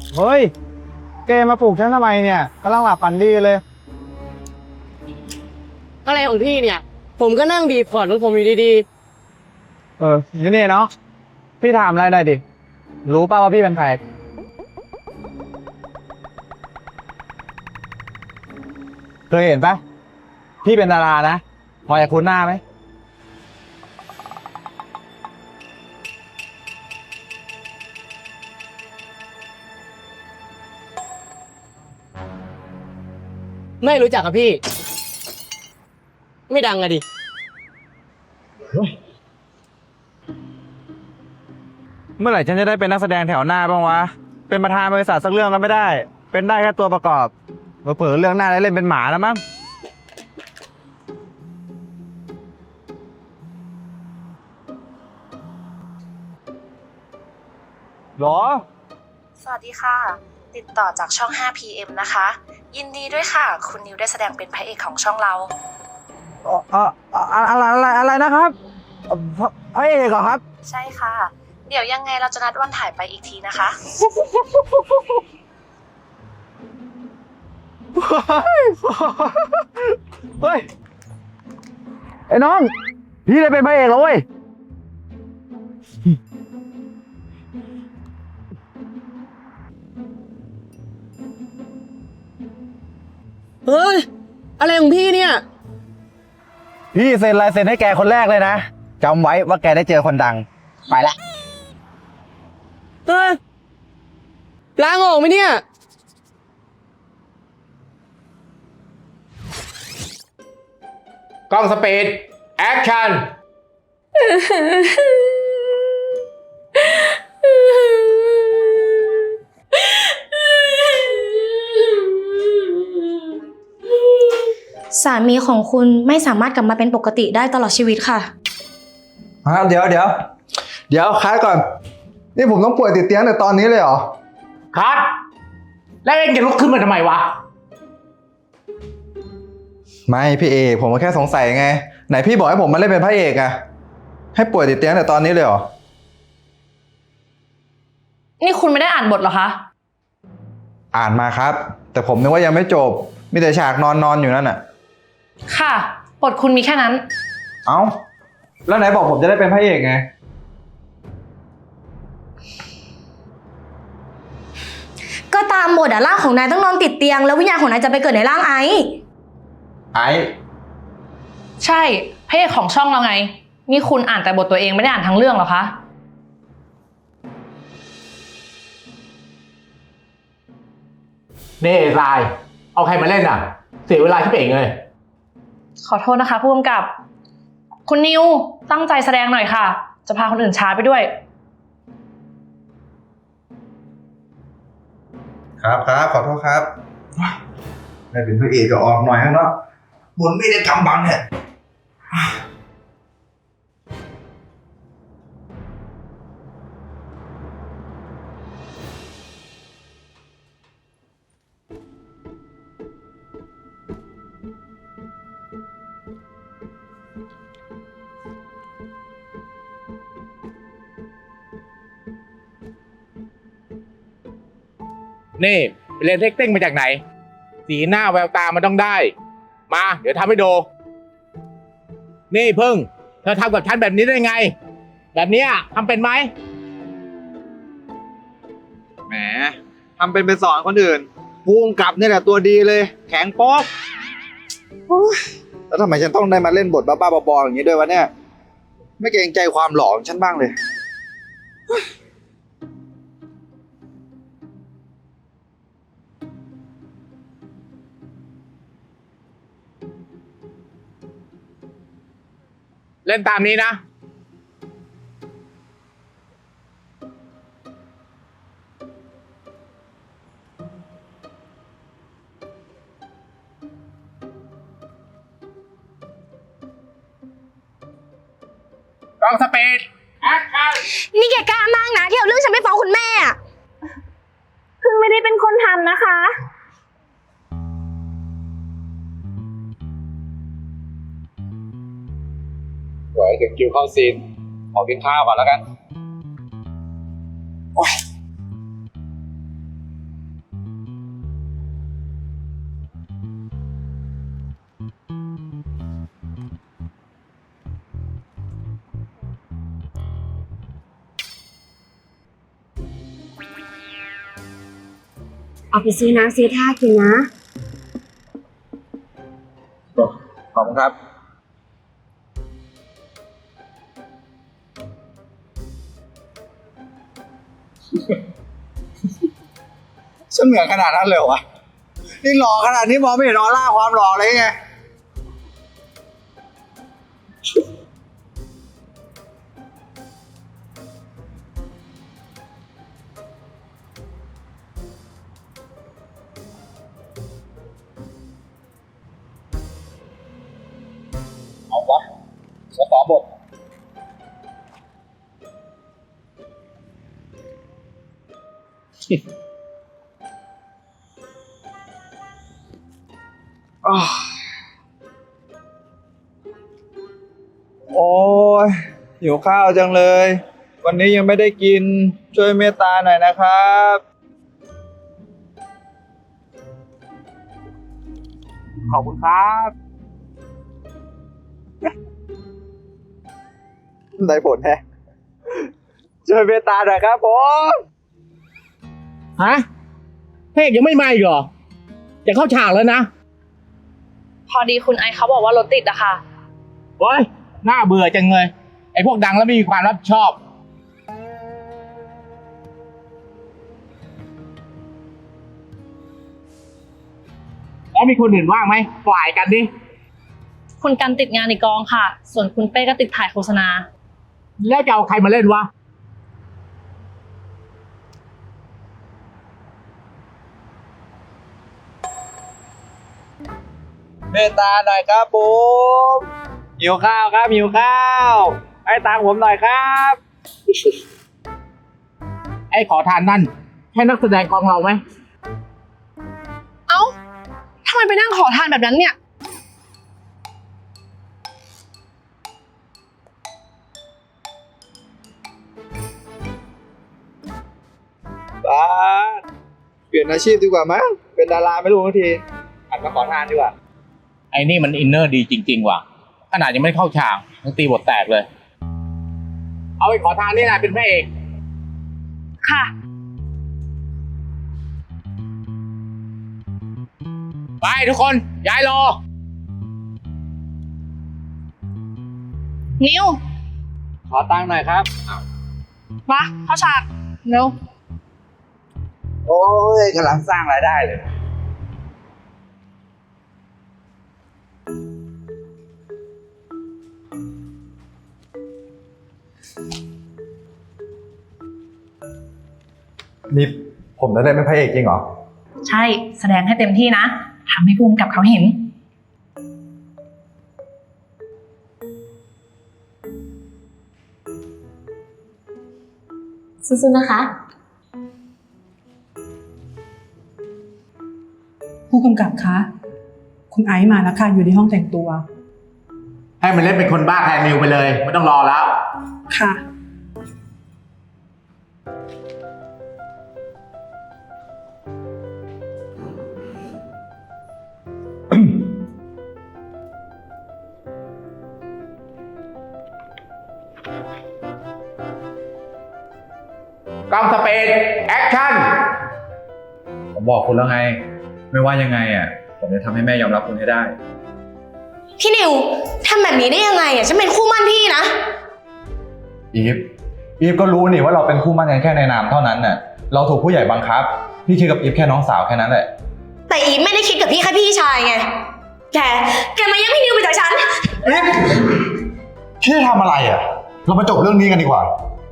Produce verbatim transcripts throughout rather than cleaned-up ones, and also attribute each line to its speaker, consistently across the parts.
Speaker 1: เฮ้ยแกมาปลุกฉันทำไมเนี่ยกำลังหลับฝันดีเลย
Speaker 2: อะไรของพี่เนี่ยผมก็นั่งบีบพอร์ตของผมอยู่ดี
Speaker 1: เอออยู่นี่เนาะพี่ถามอะไรหน่อยดิรู้ป่าวว่าพี่เป็นใครเคยเห็นปะพี่เป็นดารานะพอจะคุ้นหน้าไหม
Speaker 2: ๆไม่รู้จักกับพี่ ไม่ดังอะดิ
Speaker 1: เมื่อไหร่ฉันจะได้เป็นนักแสดงแถวหน้าบ้างวะเป็นประธานบริษัทสักเรื่องก็ไม่ได้เป็นได้แค่ตัวประกอบเผลอๆเรื่องหน้าได้เล่นเป็นหมาแล้วมั้งหรอ
Speaker 3: สวัสดีค่ะ ติดต่อจากช่อง ห้า พี เอ็ม นะคะ ยินดีด้วยค่ะ คุณนิวได้แสดงเป็นพระเอกของช่องเรา
Speaker 1: เอ่อเอ่ออะไรอะไรอะไรนะครับพระเอกเหรอครับ
Speaker 3: ใช่ค่ะ เดี๋ยวยังไงเราจะนัดวันถ่ายไปอีกทีนะคะ
Speaker 1: เฮ้ยไอ้น้องพี่ได้เป็นพระเอกแล้วเว้ย
Speaker 2: เฮ้ยอะไรของพี่เนี่ย
Speaker 1: พี่เซ็นลายเซ็นให้แกคนแรกเลยนะจำไว้ว่าแกได้เจอคนดังไปละ
Speaker 2: เฮ้ยล้างออกไหมเนี่ย
Speaker 4: กล้องสปีดแอคชั่น
Speaker 5: สามีของคุณไม่สามารถกลับมาเป็นปกติได้ตลอดชีวิตค่ะ
Speaker 6: เดี๋ยวเดี๋ยวเดี๋ยวคัดก่อนนี่ผมต้องป่วยติดเตียงแต่ตอนนี้เลยเหรอ
Speaker 4: คัดแล้วเองจะลุกขึ้นมาทำไมวะ
Speaker 6: ไม่พี่เอกผมก็แค่สงสัยไงไหนพี่บอกให้ผมมาเล่นเป็นพระเอกอะให้ป่วยติดเตียงแต่ตอนนี้เลยเหรอ
Speaker 7: นี่คุณไม่ได้อ่านบทเหรอคะ
Speaker 6: อ่านมาครับ แต่ผมนึกว่ายังไม่จบมีแต่ฉากนอนนอนอยู่นั่นน่ะ
Speaker 7: ค่ะ บทคุณมีแค่นั้น
Speaker 6: เอ้าแล้วไหนบอกผมจะได้เป็นพระเอกไง
Speaker 5: ก็ตามบทอะร่างของนายต้องนอนติดเตียงแล้ววิญญาณของนายจะไปเกิดในร่างไอซ์
Speaker 6: ไอ้
Speaker 7: ใช่พระเอกของช่องเราไง นี่คุณอ่านแต่บทตัวเองไม่ได้อ่านทั้งเรื่องเหรอคะ
Speaker 4: เน่ทราย เอาใครมาเล่นอ่ะ เสียเวลาชิบเองเลย
Speaker 7: ขอโทษนะคะผู้กำกับ คุณนิวตั้งใจแสดงหน่อยค่ะ จะพาคนอื่นช้าไปด้วย
Speaker 6: ครับครับขอโทษครับได้เป็นพระเอกก็ออกหน่อยนะเนาะบุญไม่ได้กำบังเนี่ย
Speaker 4: นี่ไปเรียนเทคเต้งมาจากไหน สีหน้าแววตามันต้องได้ มา เดี๋ยวทำให้ดู นี่พึ่ง เธอทำกับฉันแบบนี้ได้ไง แบบเนี้ยทำเป็นไหม
Speaker 6: แหมทำเป็นไปสอนคนอื่นภูมิกับนี่แหละตัวดีเลยแข็งโป๊กโอ๊ยแล้วทำไมฉันต้องได้มาเล่นบทบ้าๆบอๆอย่างนี้ด้วยวะเนี่ยไม่เกรงใจความหล่อของฉันบ้างเลย
Speaker 4: เล่นตามนี้นะ กล้องสปีดแอคชั่น
Speaker 5: นี่แกกล้ามากนะที่เอาเรื่องฉันไปฟ้องคุณแม่อะ
Speaker 7: เพิ่งไม่ได้เป็นคนทำนะคะ
Speaker 4: สวยถึงคิวเข้าซีน ขอกินข้าวก่อนแล้วกัน
Speaker 6: โอ๊ย
Speaker 8: เอาไปซื้อน้ำซื้อท่ากินนะ
Speaker 6: ขอบคุณครับ ฉันเหมือนขนาดนั้นเลยเหรอวะ นี่หล่อขนาดนี้มองไม่เห็นออร่าความหล่อเลยไง เอาวะฉันขอบท อ้าวโอ้ยหิวข้าวจังเลย วันนี้ยังไม่ได้กิน ช่วยเมตตาหน่อยนะครับ
Speaker 4: ขอบคุณครับ
Speaker 6: ได้ผลแฮะช่วยเมตตาหน่อยครับผม
Speaker 4: ฮะเพลงยังไม่มาอีกเหรอ จะเข้าฉากแล้วนะ
Speaker 7: พอดีคุณไอซ์เขาบอกว่ารถติดอะค่ะ
Speaker 4: โอ้ยน่าเบื่อจังเลย ไอ้พวกดังแล้วไม่มีความรับผิดชอบ แล้วมีคนอื่นว่างไหมฝ่ายกันดิ
Speaker 7: คุณกันติดงานในกองค่ะ ส่วนคุณเป้ก็ติดถ่ายโฆษณา
Speaker 4: แล้วจะเอาใครมาเล่นวะ
Speaker 6: เมตตาหน่อยครับผมหิวข้าวครับหิวข้าวให้ตังค์ผมหน่อยครับ
Speaker 4: ไอ้ขอทานนั่นใช่นักแสดงกองเราไหม
Speaker 7: เอ้าทำไมไปนั่งขอทานแบบนั้นเนี่ย
Speaker 6: บ้าสเปลี่ยนอาชีพดีกว่ามั้งเป็นดาราไม่รู้ทันทีหันมาขอทานดีกว่า
Speaker 4: ไอ้นี่มันอินเนอร์ดีจริง ๆ ว่ะ ขนาดยังไม่เข้าฉากยังตีบทแตกเลย เอาไอ้ขอทานนี่แหละเป็นพระเอก
Speaker 7: ค่ะ
Speaker 4: ไปทุกคนย้ายรอ
Speaker 7: นิว
Speaker 6: ขอตังค์หน่อยครับ
Speaker 7: มาเข้าฉากเร็ว
Speaker 6: โอ้ยกำลังสร้างรายได้เลย
Speaker 1: นี่ผมจะได้เป็นพระเอกจริงเหรอ
Speaker 7: ใช่ แสดงให้เต็มที่นะ ทำให้ภูมิกับเขาเห็น
Speaker 5: สู้ๆนะคะ
Speaker 9: ผู้กำกับคะ คุณไอซ์มาแล้วค่ะ อยู่ในห้องแต่งตัว
Speaker 4: ให้มันเล่นเป็นคนบ้าแทนนิวไปเลย ไม่ต้องรอแล้ว
Speaker 9: ค่ะ
Speaker 4: กล้องสเปนแอคชั่น
Speaker 1: ผมบอกคุณแล้วไง ไม่ว่ายังไงอ่ะ ผมจะทำให้แม่ยอมรับคุณให้ได้
Speaker 5: พี่นิวทำแบบนี้ได้ยังไงอ่ะฉันเป็นคู่มั่นพี่นะ
Speaker 1: อีฟ อีฟก็รู้นี่ว่าเราเป็นคู่มั่นกันแค่ในนามเท่านั้นน่ะ เราถูกผู้ใหญ่บังคับ พี่คิดกับอีฟแค่น้องสาวแค่นั้นแหละ
Speaker 5: แต่อีฟไม่ได้คิดกับพี่แค่พี่ชายไง แก แกมาแย่งพี่นิวไปจากฉัน
Speaker 1: อีฟ พี่ทำอะไรอ่ะ เรามาจบเรื่องนี้กันดีกว่า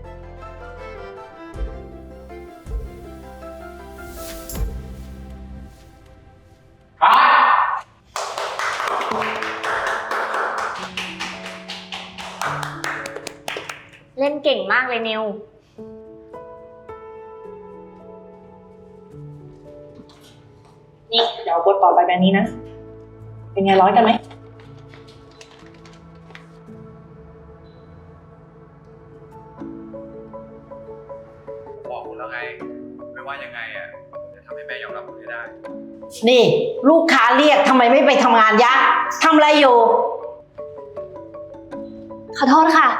Speaker 5: เล่นเก่งมากเลยนิว
Speaker 7: นี่เดี๋ยวบทต่อไปแบบนี้นะ เป็นไงร้อยกันไหม
Speaker 1: บอกคุณแล้วไง ไม่ว่ายังไงอ่ะจะทำให้แม่ยอมรับคุณให้ได้
Speaker 10: นี่ลูกค้าเรียกทำไมไม่ไปทำงานยะทำอะไรอยู่
Speaker 5: ขอโทษค่ะ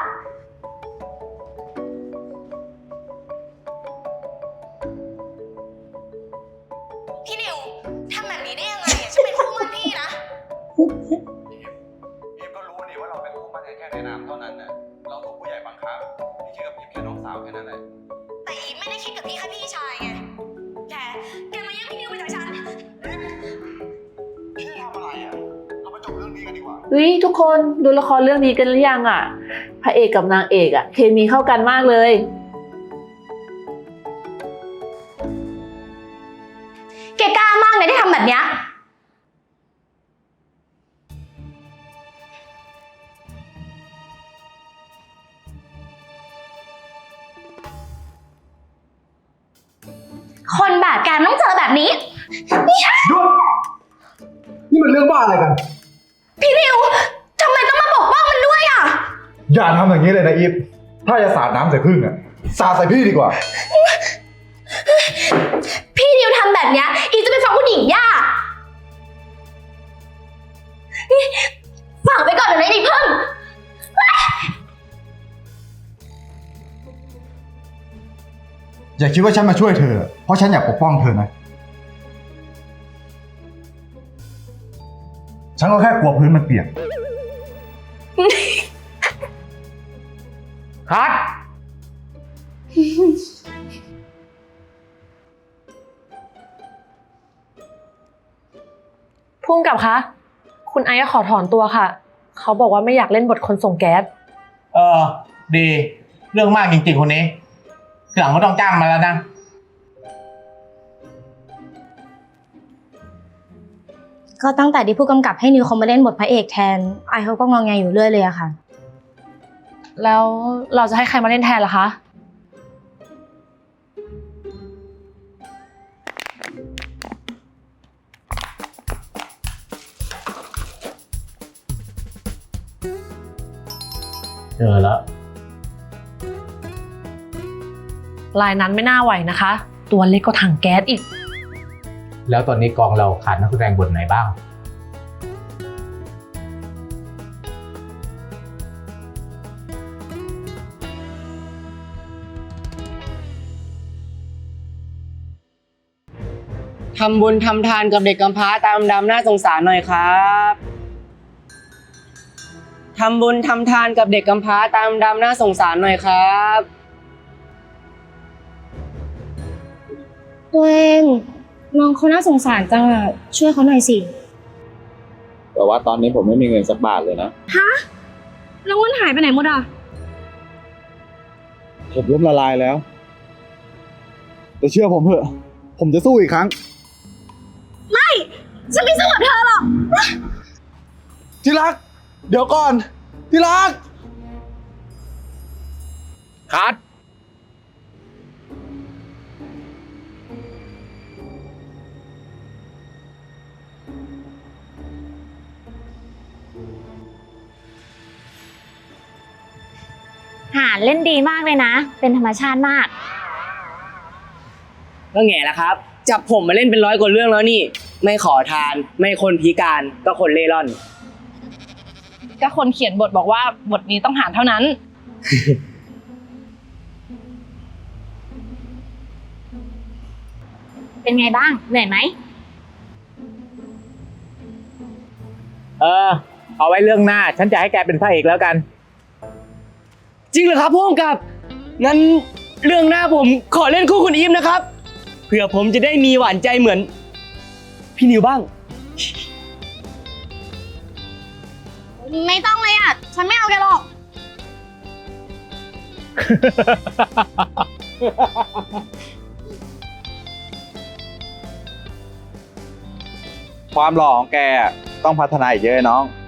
Speaker 8: เฮ้ยทุกคนดูละครเรื่องนี้กันหรือยังอ่ะ พระเอกกับนางเอกอ่ะเคมีเข้ากันมากเลย
Speaker 5: แกกล้ามากเลยที่ทำแบบเนี้ยคนบาปการต้องเจอแบบนี้
Speaker 6: หยุด นี่มันเรื่องบ้าอะไรกัน
Speaker 5: พี่นิวทำไมต้องมาปกป้องมันด้วยอ่ะ
Speaker 6: อย่าทำอย่างนี้เลยนะอีฟ ถ้าจะสาดน้ำใส่พึ่งอะสาดใส่พี่ดีกว่า
Speaker 5: พี่นิวทำแบบเนี้ยอีจะไปฟังผู้หญิงย่าฝากไปก่อนเดี๋ยวนี้ดิเพิ่ง
Speaker 6: อย่าคิดว่าฉันมาช่วยเธอ เพราะฉันอยากปกป้องเธอนะ ฉันก็แค่กลัวพื้นมันเปียก
Speaker 4: คัด
Speaker 7: ผู้กำกับคะ คุณไอซ์ขอถอนตัวค่ะ เขาบอกว่าไม่อยากเล่นบทคนส่งแก๊ส
Speaker 4: เออ ดี เรื่องมากจริงๆคนนี้ทีหลังก็ต้องจ้างมาแล้วนะ
Speaker 5: ก็ตั้งแต่ที่ผู้กำกับให้นิวเขามาเล่นบทพระเอกแทน ไอเขาก็งองแงอยู่เรื่อยเลยอะค่ะ
Speaker 7: แล้วเราจะให้ใครมาเล่นแทนล่ะคะ
Speaker 4: เจอแล้ว
Speaker 7: ลายนั้นไม่น่าไหวนะคะ ตัวเล็กก็ถังแก๊สอีก
Speaker 4: แล้วตอนนี้กองเราขาดนักแสดงบทไหนบ้าง
Speaker 2: ทำบุญทำทานกับเด็กกำพร้าตามดำน่าสงสารหน่อยครับทำบุญทำทานกับเด็กกำพร้าตามดำน่าสงสารหน่อยครับ
Speaker 5: ตัวเองน้องเขาน่าสงสารจังอะช่วยเขาหน่อยสิ
Speaker 6: แต่ว่าตอนนี้ผมไม่มีเงินสักบาทเลยนะ
Speaker 5: ฮะ แล้วเงินหายไปไหนหมดอะ
Speaker 6: ผมล้มละลายแล้ว แต่เชื่อผมเถอะ ผมจะสู้อีกครั้ง
Speaker 5: ฉันไม่สู้กับเธอหรอก
Speaker 6: ที่รัก เดี๋ยวก่อน ที่รัก
Speaker 4: คัด
Speaker 11: หาเล่นดีมากเลยนะ เป็นธรรมชาติมาก
Speaker 2: ก็แง่ละครับ จับผมมาเล่นเป็นร้อยกว่าเรื่องแล้วนี่ ไม่ขอทาน ไม่คนพิการก็คนเล่ร่อน
Speaker 7: ก็คนเขียนบทบอกว่าบทนี้ต้องหารเท่านั้น
Speaker 11: เป็นไงบ้าง เหนื่อยไหม
Speaker 4: เออ เอาไว้เรื่องหน้า ฉันจะให้แกเป็นพระเอกแล้วกัน
Speaker 2: จริงเหรอครับพ่วงกับงั้นเรื่องหน้าผมขอเล่นคู่คุณอีฟนะครับเผื่อผมจะได้มีหวานใจเหมือนพี่นิวบ้าง
Speaker 5: ไม่ต้องเลยอะฉันไม่เอาแกหรอก
Speaker 6: ความหล่อของแกต้องพัฒนาอีกเยอะน้อง